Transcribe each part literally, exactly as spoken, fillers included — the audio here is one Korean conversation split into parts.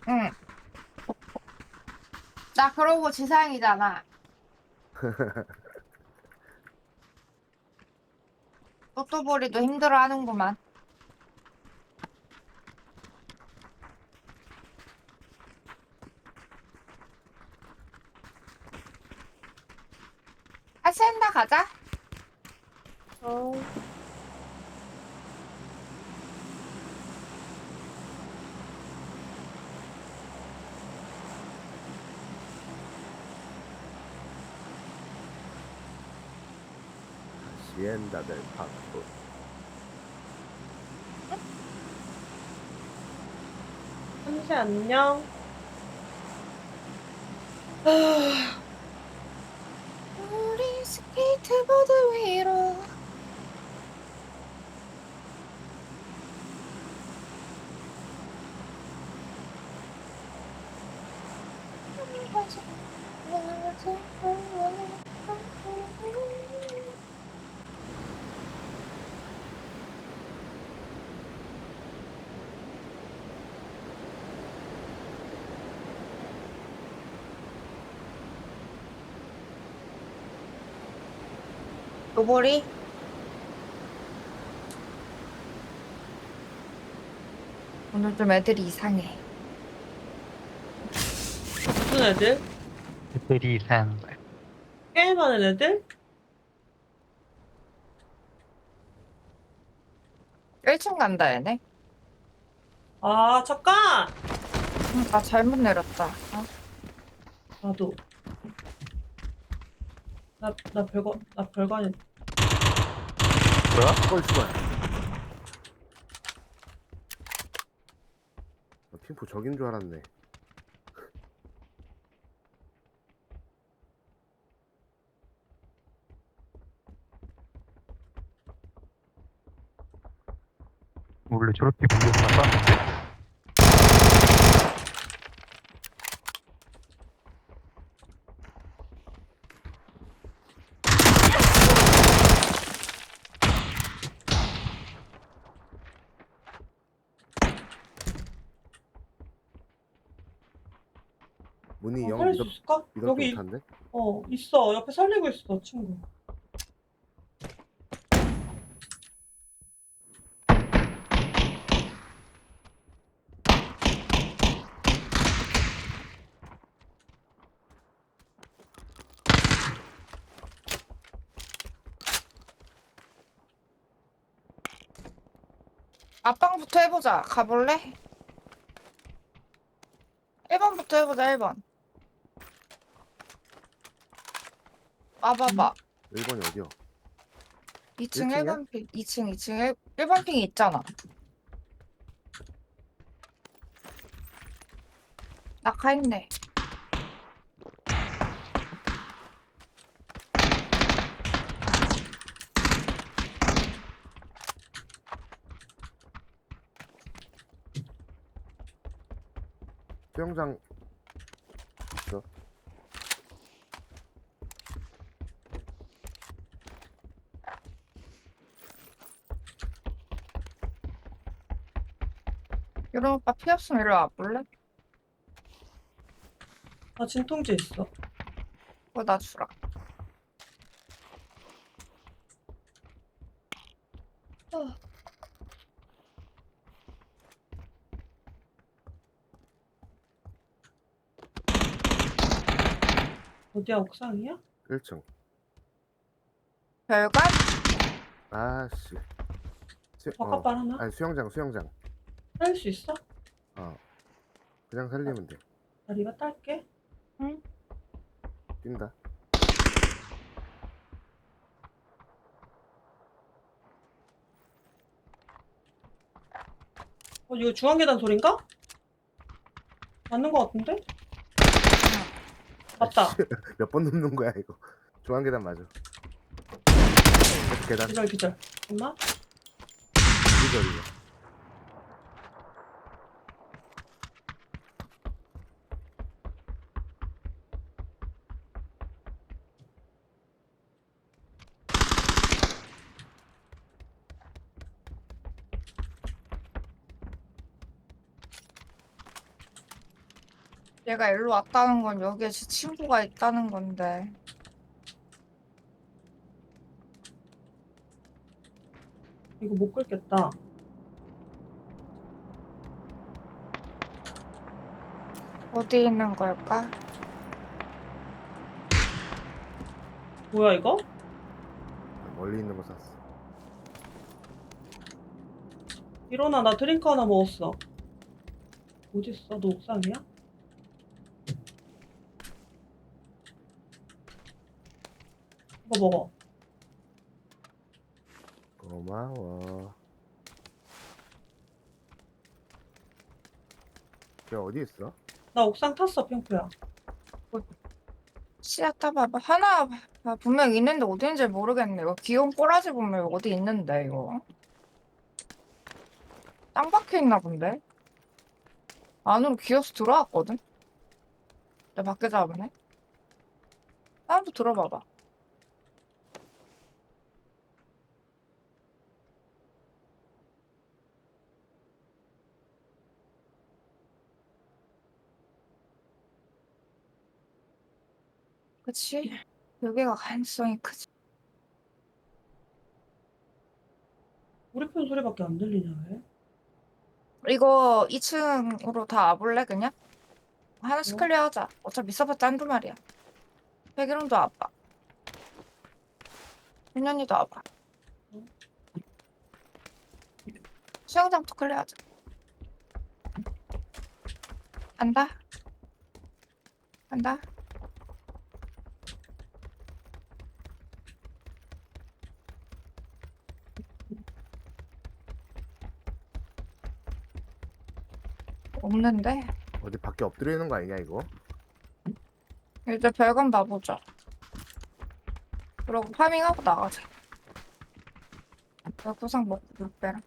응. 나 그러고 지상이잖아. 또또보리도 힘들어하는구만. 하시엔다 가자. 어, 시엔다 델 파토. 삼시 안녕. 우리 스케이트보드 위로. 또보리? 오늘 좀 애들이 이상해. 무슨 애들? 애들이 이상한 거야. 게임하는 애들? 일 층 간다, 얘네. 아, 잠깐! 응, 나 잘못 내렸다. 어? 나도. 나, 나 별거, 나 별거 아니 뭐야? 헐, 씨발. 나 팀포 적인 줄 알았네. 원래 저렇게 물려서 쐈는데? 문이 어, 영 살릴 수 믿었, 있을까? 믿었지 여기, 못한데? 어, 있어. 옆에 살리고 있어, 친구. 앞방부터 해보자. 가볼래? 일 번부터 해보자, 일 번. 와봐봐. 일 번이 어디야? 이 층 일 층이야? 일 번 핑, 이 층 이 층 일 번 핑이 있잖아. 낙하했네. 수영장 있어. 이런 오빠 피 없으면 이리 와볼래? 나 진통제 있어. 그거 나 주라. 어. 어디야, 옥상이야? 일 층. 별관? 아씨. 수, 어. 바깥발 하나? 아니, 수영장, 수영장. 살릴 수 있어? 어. 그냥 살리면 돼. 나 리가 딸게. 응. 뛴다. 어, 이거 중앙계단 소린가? 맞는 거 같은데? 맞다. 몇 번 눕는 거야, 이거. 중앙 계단 맞아. 계속 계단. 기절, 기절. 엄마? 기절이야. 얘가 일로 왔다는 건 여기에 제 친구가 있다는 건데. 이거 못 끌겠다. 어디 있는 걸까? 뭐야 이거? 멀리 있는 거 샀어. 일어나, 나 드링크 하나 먹었어. 어딨어? 너 옥상이야? 이거 먹어. 고마워. 걔 어디 있어? 나 옥상 탔어, 핑크야. 씨앗 따봐봐. 하나 봐. 분명 있는데 어디 있는지 모르겠네. 이거 귀여운 꼬라지 보면 어디 있는데 이거. 땅 박혀 있나 본데? 안으로 기어서 들어왔거든? 내가 밖에 잡으네? 사람도 들어봐봐. 그치? 여기가 가능성이 크지. 우리 편 소리밖에 안 들리냐, 왜? 이거 이 층으로 다 와볼래 그냥? 하나씩 어? 클리어하자. 어차피 써봤자 한두 마리야. 백일홍도 와봐. 윤현이도 와봐. 어? 수영장부터 클리어하자. 간다. 간다. 없는데? 어디 밖에 엎드려 있는 거 아니냐 이거? 이제 별건 봐보자. 그러고 파밍하고 나가자. 구상 먹고 못 빼라.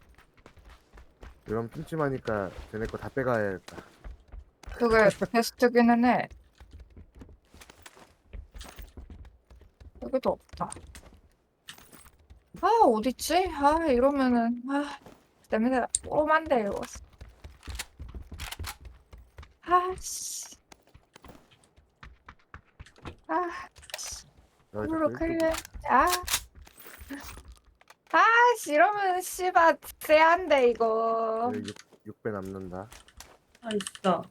이러면 찜찜하니까 쟤네 거 다 빼가야겠다. 그게 베스트기는 해. 여기도 없다. 아, 어딨지? 아, 이러면은, 아, 냄새 꼬만데, 이거. 아, 씨. 아, 너 이걸로 자꾸 클리어. 아. 아, 씨, 이러면, 씨발, 쎄한데, 이거. 이쪽 육 배 남는다. 아, 있어.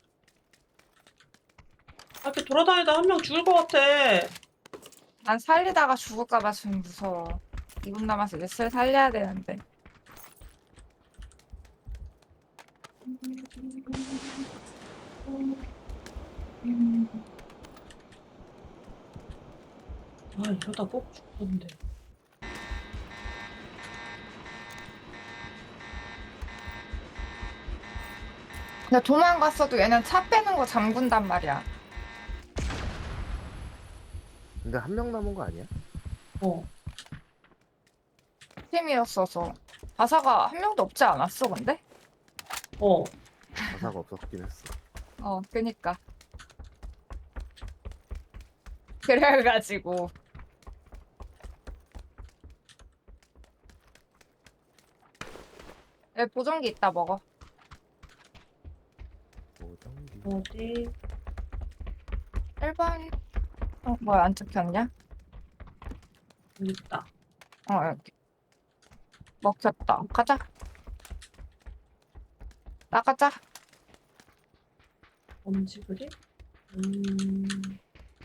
아, 이렇게 돌아다니다 한 명 죽을 것 같아. 난 살리다가 죽을까봐 좀 무서워. 이 분 남아서 이제 슬 살려야 되는데. 아, 이러다 꼭 죽던데. 근데 도망갔어도 얘는 차 빼는 거 잠근단 말이야. 근데 한 명 남은 거 아니야? 어. 팀이었어서. 바사가 한 명도 없지 않았어, 근데? 어. 가사가 없었긴 했어. 어, 그니까. 그래가지고. 에, 보정기 있다, 먹어. 보정기. 어디? 일 번. 어, 뭐야, 안 찍혔냐? 여기 있다. 어, 여기. 먹혔다. 가자. 나가자. 엄지 그리? 음.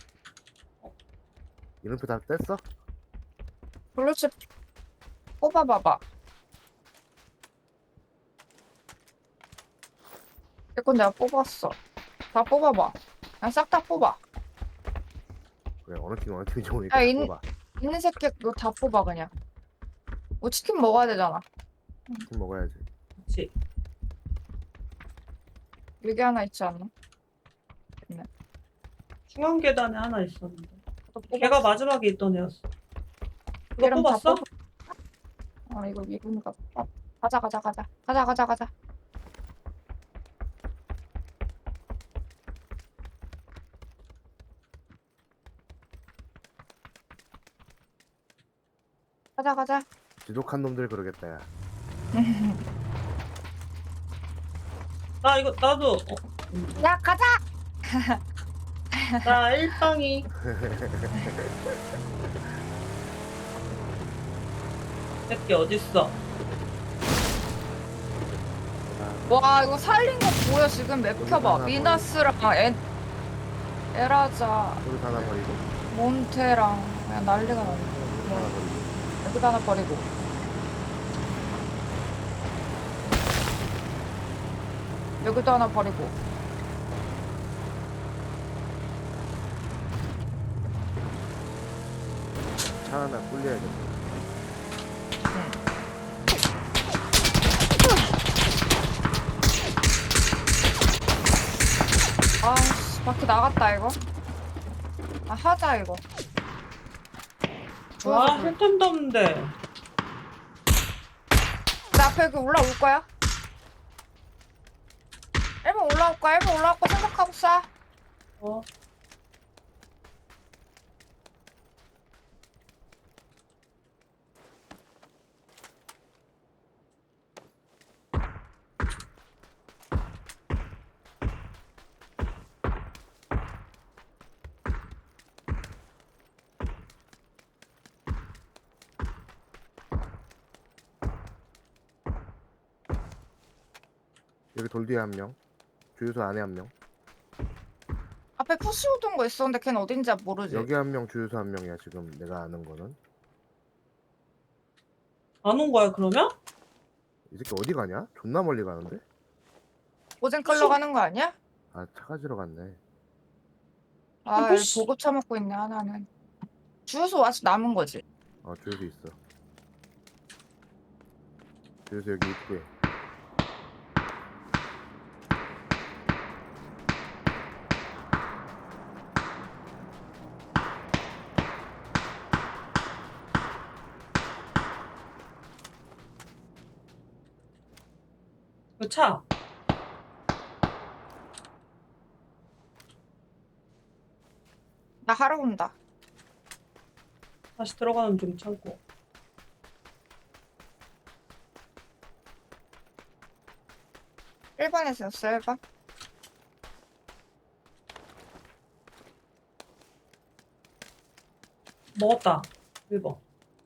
이름표 다 뗐어? 블루칩 뽑아봐봐. 이건 내가 뽑았어. 다 뽑아봐. 그냥 싹 다 뽑아. 그래 어느 팀 어느 팀이 좋으니까 야, 다 인- 뽑아. 있는 새끼 너 다 뽑아 그냥. 뭐 치킨 먹어야 되잖아. 팀 먹어야지. 그치. 여기 하나 있지 않나? 중앙 계단에 하나 있었는데. 너 뽑았어. 걔가 마지막에 있던 애였어. 이거 얘랑 다 뽑았어? 뽑아. 아 이거 미분가. 아, 가자 가자 가자 가자 가자 가자. 가자 가자. 지독한 놈들 그러겠다 야. 나 이거 나도. 어. 야 가자. 나 일빵이. 새끼 어딨어? 와 이거 살린 거 보여 지금 맵 여기 켜봐. 하나 미나스랑 에, 에라자, 여기 하나 버리고 몬테랑 그냥 난리가 나네. 여기 하나 버리고 여기다 하나 버리고. 여기도 하나 버리고. 차 하나 꿀려야겠다. 아씨 바퀴 나갔다 이거. 아 하자 이거. 와, 좋아서 그래. 힐템도 없는데. 나 앞에 여기 올라올 거야. 일 번 올라올 거야. 일 번 올라올 거 생각하고 쏴. 어. 여기 돌 뒤에 한 명. 주유소 안에 한 명. 앞에 푸시 오던 거 있었는데 걔는 어딘지 모르지. 여기 한 명, 주유소 한 명이야 지금 내가 아는 거는. 안 온 거야, 그러면? 이 새끼 어디 가냐? 존나 멀리 가는데? 오젠 끌러 가는 거 아니야? 아 차 가지러 갔네. 아, 아, 여기 푸시. 보급 처먹고 있네 하나는. 주유소 아직 남은 거지. 어 주유소 있어. 주유소 여기 입구에. 그 차. 나 하러 온다. 다시 들어가는 중 창고. 일 번에서였어 일 번. 먹었다. 일 번.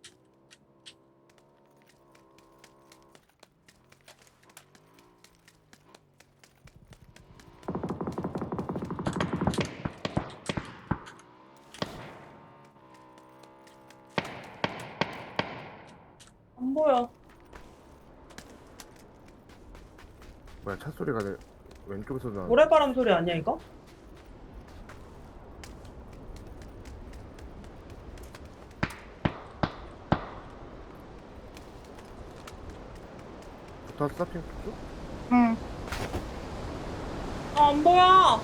안 보여. 뭐야 차 소리가 내 왼쪽에서 나. 모래바람 소리 아니야, 이거? 붙었어 핑크 쪽? 응. 아, 안 보여.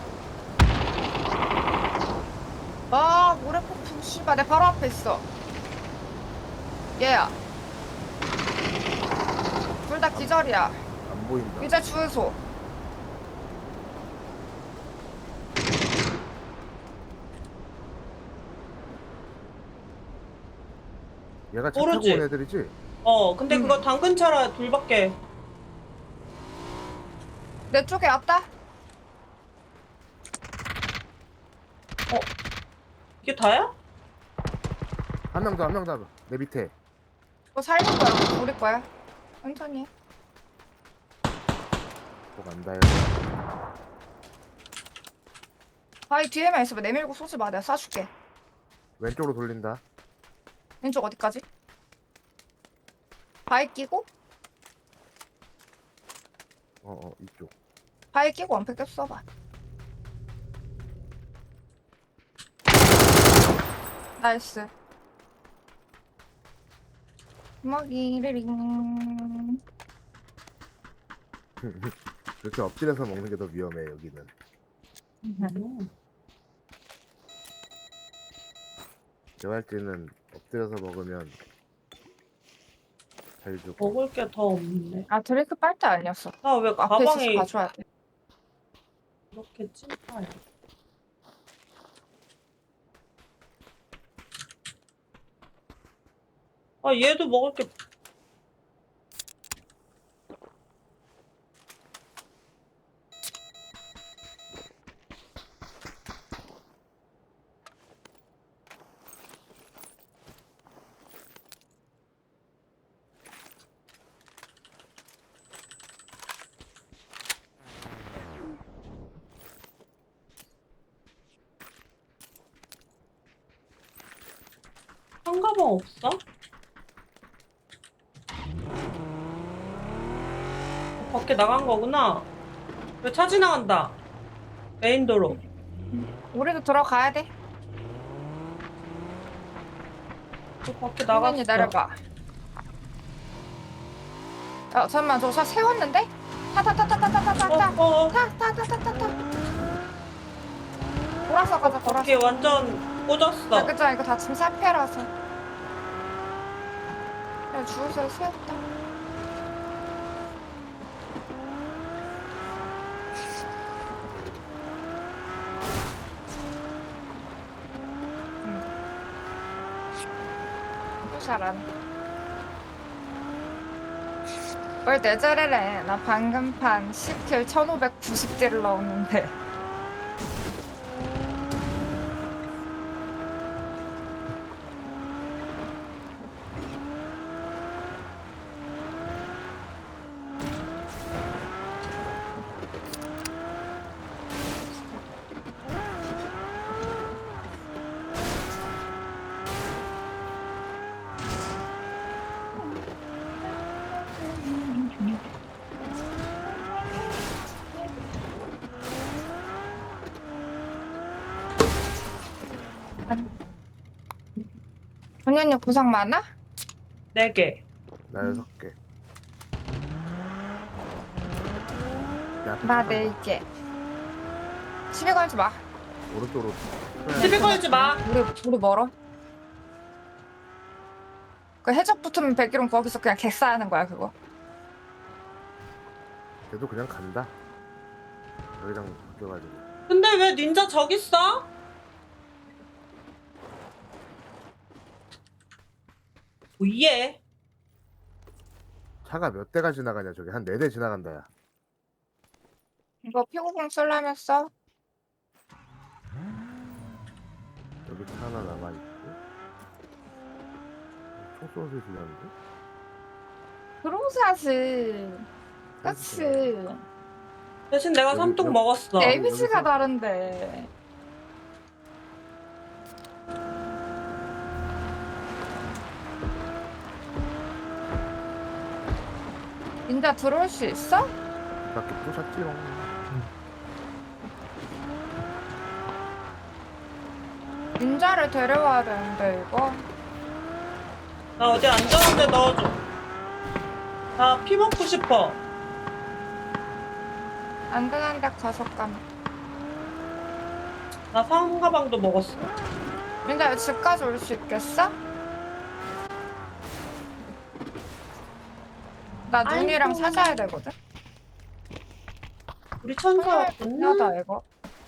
아 모래폭풍 씨발 내 바로 앞에 있어. 얘야. 둘 다 기절이야. 안 보인다. 이제 주유소. 얘가 차 모르지? 타고 온 애들이지? 어, 근데 음. 그거 당근차라 둘밖에. 내 쪽에 왔다. 이게 다야? 한 명 더 한 명 더 내 밑에. 뭐 살릴 거야. 우리 거야. 천천히 해. 뭐 간다 해. 바위 뒤에만 있어봐. 내밀고 쏘지 마. 내가 쏴줄게. 왼쪽으로 돌린다. 왼쪽 어디까지? 바위 끼고? 어어 이쪽. 바위 끼고 원팩 껴 써봐. 나이스. 먹이리링. 그렇게 엎드려서 먹는 게 더 위험해 여기는. 음. 개활지는 엎드려서 먹으면 잘 주고. 먹을 게 더 없네. 아 드레이크 빨대 아니었어. 아, 왜 앞에 있어서 가방에 가져야 돼. 이렇게 찐파야? 아, 얘도 먹을 게. 상가방 없어? 어, 밖에 나간 거구나. 왜 차 지나간다. 메인 도로. 우리도 들어가야 돼. 저 밖에 당연히 나갔어. 내려봐. 어, 잠깐만, 저 차 세웠는데? 타, 타, 타, 타, 타, 타, 타, 타, 타, 어, 어, 타, 타, 타, 타, 타, 타. 돌아서 가자, 돌아서. 밖에 완전 꽂았어. 야, 그죠? 이거 다 짐 사패라서. 야, 주유소에 세웠다. 또 잘하네. 뭘 내저래래. 나 방금 판 십 킬 천오백구십 딜을 넣었는데. 언니 언니 고생 많아? 네 개. 나 여섯 개. 내 앞에 나 차가 네 개. 시비 걸지 마. 오른쪽으로. 시비 걸지 마. 우리 우리 멀어. 그 해적 붙으면 백일은 거기서 그냥 객사하는 거야 그거. 걔도 그냥 간다. 여기랑 바뀌어가지고. 근데 왜 닌자 저기 있어? 오예. 차가 몇 대가 지나가냐 저기 한 네 대 지나간다 야. 이거 피구공 쓰려면서 여기 차 하나 남아있고. 총 쏘는 소리 들렸는데? 드로사지. 그치. 대신 내가 여기, 삼뚝 여기. 먹었어. 네. 에이비씨가 여기서- 다른데. 닌자 들어올 수 있어? 이 밖에 부셨지롱. 닌자를 데려와야 되는데 이거. 나 어디 안전한데 넣어줘. 나 피 먹고 싶어. 안 되는데 가서 까면. 나 상가방도 먹었어. 닌자 집까지 올 수 있겠어? 나 눈이랑 아이고. 찾아야 되거든. 우리 천사 왔구나. 중요하다 이거.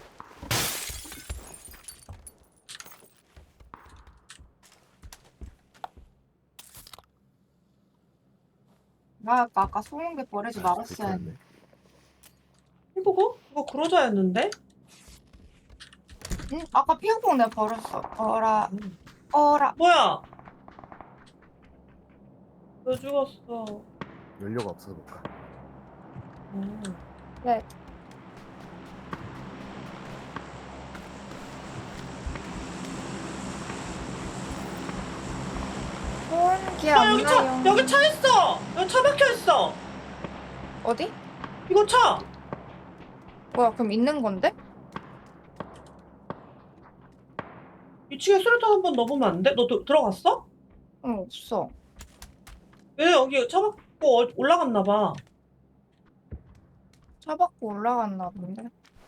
나 아까, 아까 소금기 버리지 말았어야 했는데. 이거? 이거 그러자였는데? 응? 아까 피우공 내가 버렸어. 어라, 어라. 뭐야? 왜 죽었어? 연료가 없어서 못 가. 음. 네. 소음기 야 안 여기 차 나요. 여기 차 있어. 여기 차 박혀 있어. 어디? 이거 차. 뭐야, 그럼 있는 건데? 이 층에 수류탄 한 번 넣어보면 안 돼? 너 도, 들어갔어? 응, 없어. 왜 여기 차 박고 어- 올라갔나 봐. 차 받고 올라갔나 본데.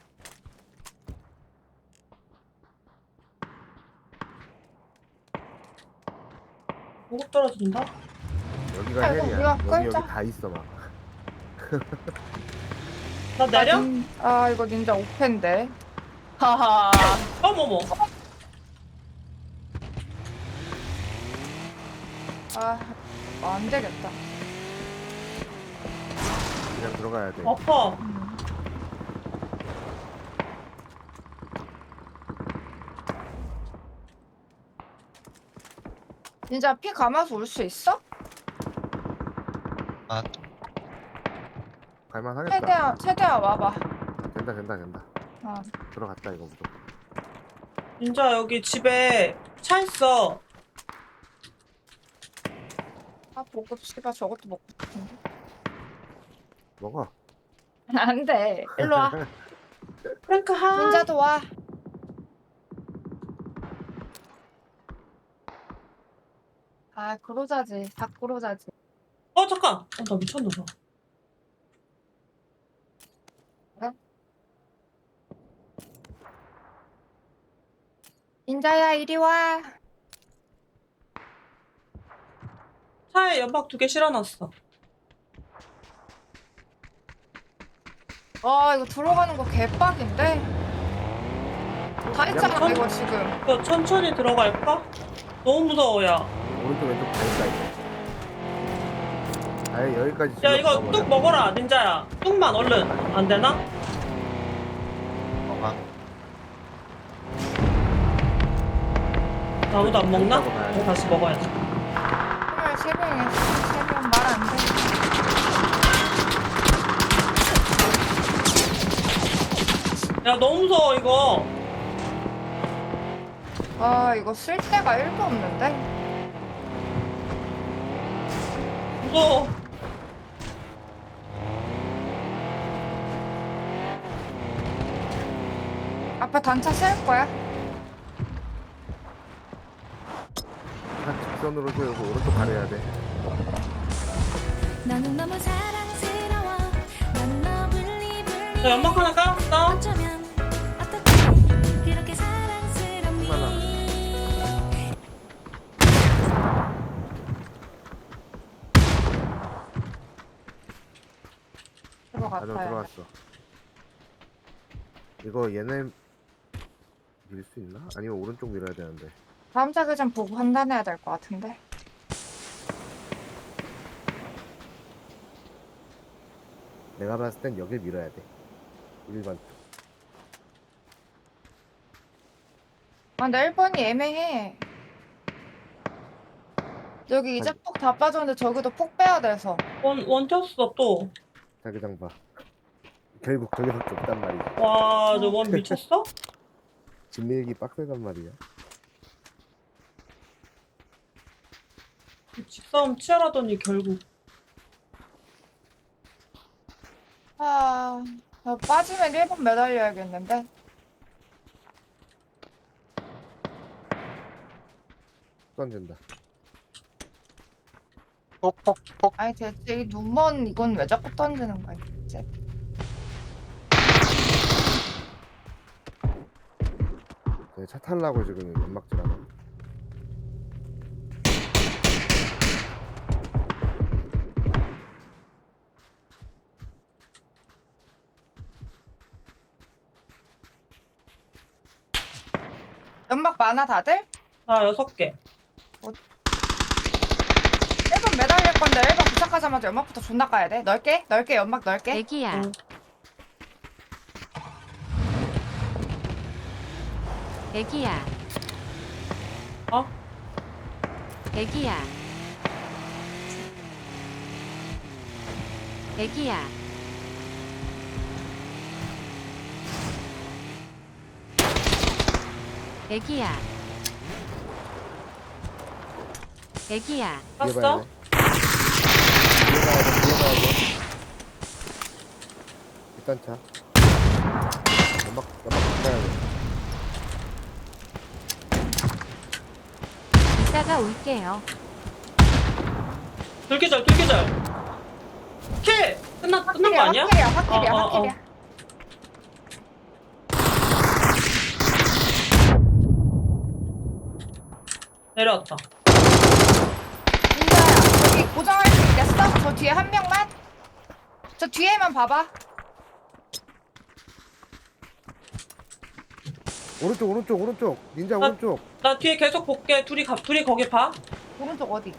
보급 떨어진다. 여기가 아이고, 헬이야. 우리가 여기 끌자. 여기 다 있어 막. 나 내려? 아, 닌, 아 이거 닌자 오펜데. 하하. 어머머. 아, 안 되겠다. 그냥 들어가야 돼. 아파. 음. 닌자 피 감아서 올 수 있어? 아, 갈만하겠다. 최대한 최대한 와봐. 된다 된다 된다. 어. 들어갔다 이거 무조건. 진짜 여기 집에 차 있어. 아, 보급 씨발 저것도 먹고 싶은데. 먹어. 안 돼. 일로 와. 프랭크 하. 닌자도 와. 아, 그로자지. 다 그로자지. 어 잠깐. 어, 나 미쳤나 봐. 닌자야, 이리 와. 차에 연막 두 개 실어놨어. 아, 이거 들어가는 거 개빡인데? 다 했잖아, 그냥 이거 지금. 이거 천천히 들어갈까? 너무 무서워 야. 오른쪽 왼쪽 다 있다 이거. 아예 여기까지. 야 질러 이거 들어가버려. 뚝 먹어라 닌자야. 뚝만 얼른. 안 되나? 뭐가? 아무도 안 먹나? 먹고 가야지. 어, 다시 먹어야지. 정말 세 명이야. 세명 말 안 돼. 야 너무 무서워 이거. 아, 이거 쓸 데가 일도 없는데? 무서워. 앞에 단차 쓸 거야? 한 직선으로 세우고 오른쪽 가려야 돼. 너는 너무 사랑스러워 난 너 불리 불리 자 연막 하나 깔았어. 어쩌면 어떻게 그렇게 사랑스럽니 안으로 들어갔다. 들어왔어. 이거 얘네 밀 수 있나? 아니면 오른쪽 밀어야 되는데. 다음 자기 전 보고 판단해야 될 것 같은데. 내가 봤을 땐 여길 밀어야 돼. 일반 쪽. 아, 근데 일 번이 애매해. 여기 이제 아니. 폭 다 빠졌는데 저기도 폭 빼야 돼서. 원 원쳤어 또. 자기장 봐. 결국 저기밖에 없단 말이야. 와 저 원 미쳤어? 집 밀기 빡세단 말이야. 집싸움 치열하더니 결국. 아, 나 빠지면 일 번 매달려야겠는데. 던진다. 폭폭폭. 아니, 대체 이 눈먼 이건 왜 자꾸 던지는 거야, 이제. 네, 차 탈라고 지금 연막질하고. 연막 많아, 다들? 나 여섯 개. 일 번 매달릴 건데 일 번 도착하자마자 연막부터 존나 까야 돼. 넓게? 넓게, 연막 넓게? 애기야 응. 애기야 어? 애기야 애기야 애기야 애기야 뒤에 봐야 봤어? 돼. 뒤에 봐야 돼. 뒤에 봐야 돼. 일단 차. 연막 연막 가야 돼. 이따가 올게요 들기절 들기절. 킬! 끝나 끝난 거 아니야? 확킬이야, 확킬이야, 어, 어, 어. 확킬이야. 내려왔다. 민자야, 저기 고정할 수 있겠어? 저 뒤에 한 명만? 저 뒤에만 봐봐. 오른쪽 오른쪽 오른쪽. 닌자 아. 오른쪽. 나 뒤에 계속 볼게. 둘이 가, 둘이 거기 봐. 오른쪽 어디?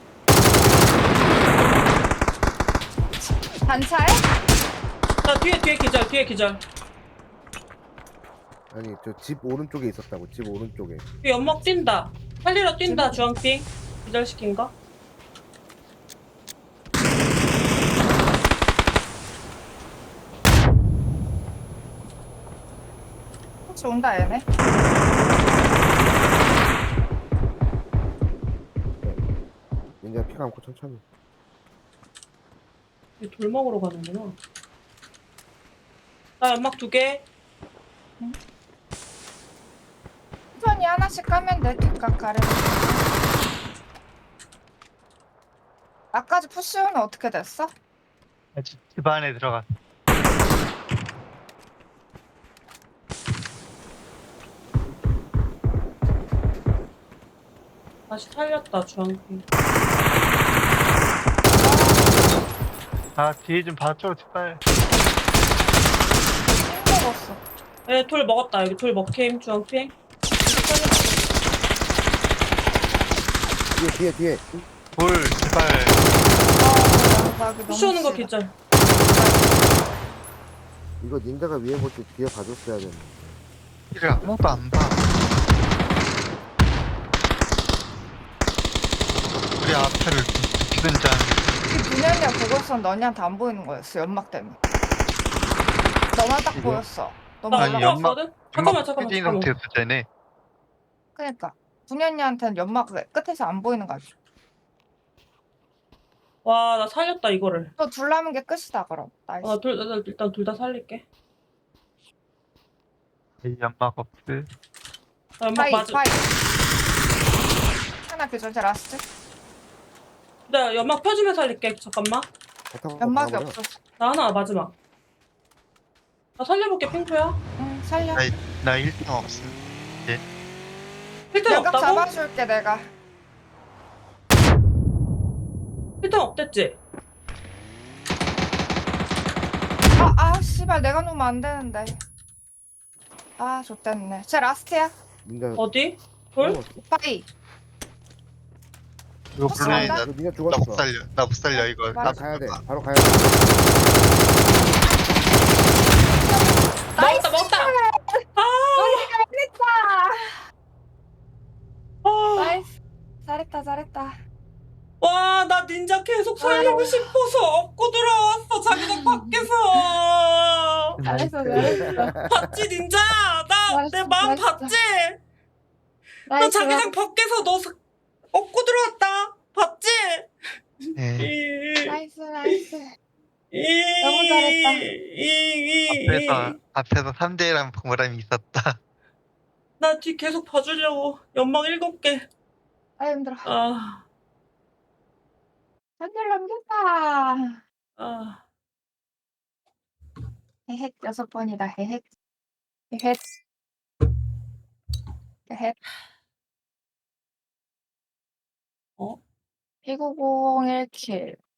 단차에? 나 뒤에 뒤에 기절 뒤에 기절. 아니 저 집 오른쪽에 있었다고. 집 오른쪽에. 뒤에 연막 뛴다. 살리러 뛴다 주황핑. 기절시킨 거. 혹시 온다, 얘네? 닌자 피 감고 천천히. 이돌 먹으러 가는구나. 나 연막 두 개. 천천히 하나씩 까면 돼. 뒷각 가려. 아까지 푸시오는 어떻게 됐어? 아직 집 안에 들어가. 다시 살렸다, 주황핑. 아, 뒤에 좀 봐줘, 제발. 힘들었어. 에, 돌 먹었다. 여기 돌 먹힘, 주황핑. 뒤에 뒤에 뒤에. 뭘, 제발. 아, 양각이 너무 푸시 오는 거 싫어. 기절. 이거 닌자가 위에 볼 때 뒤에 봐줬어야 되는데. 이를 아무도 안 봐. 우리 앞에를 죽이든지 하는 이 분열이야 보고 있었는데 너희한테 안 보이는 거였어. 연막 때문에. 너만 딱 이거? 보였어. 나 너무 아니, 올라가. 연막- 올라왔거든? 잠깐만, 잠깐만, 진 잠깐만. 상태였어, 쟤네. 그러니까 분열이한테는 연막 끝에서 안 보이는 거야. 와, 나 살렸다, 이거를. 또 둘 남은 게 끝이다 그럼. 나이스. 아, 둘, 나 일단 둘 다 살릴게. 이 연막 없을. 나 연막 파이 맞아. 파이. 하나 교전 제 라스트. 나 연막 펴주면 살릴게. 잠깐만. 배 타고 연막이 가버려. 없었어. 나 하나 마지막. 나 살려볼게, 핑크야. 응 살려. 아이, 나 일 등 없음. 필터 연각 없다고? 잡아줄게 내가. 필터 없댔지? 아, 아, 씨발, 내가 놓으면 안 되는데. 아, 좋댔네. 제 라스트야. 닌자 어디? 돌? 죽었어. 파이. 이거 혹시 블루인 간다? 나, 이거 닌자 나 죽었어. 못 살려. 나 못 살려, 이거. 맞아. 바로 가야 돼. 바로 가야 돼. 먹었다, 먹었다! 아! 잘했다. 아! 나이스. 잘했다, 잘했다. 와, 나 닌자 계속 살리고 아. 싶어서 업고 들어왔어, 자기장 밖에서. 잘했어, 잘했어. 봤지, 닌자야? 나, 내 잘했어, 마음 잘했어. 봤지? 나 나이스. 자기장 밖에서 너 사- 업고 들어왔다. 봤지? 예. 이, 나이스, 나이스. 이, 너무 잘했다. 이, 이, 앞에서, 앞에서 삼 대 일한 보람이 있었다. 나 뒤 계속 봐주려고. 연막 일곱 개. 아, 힘들어. 아, 한줄 넘겼다. 아. 헤헷, 여섯 번이다. 헤헷. 헤헷. 헤헷. 어? 일구공일 킬.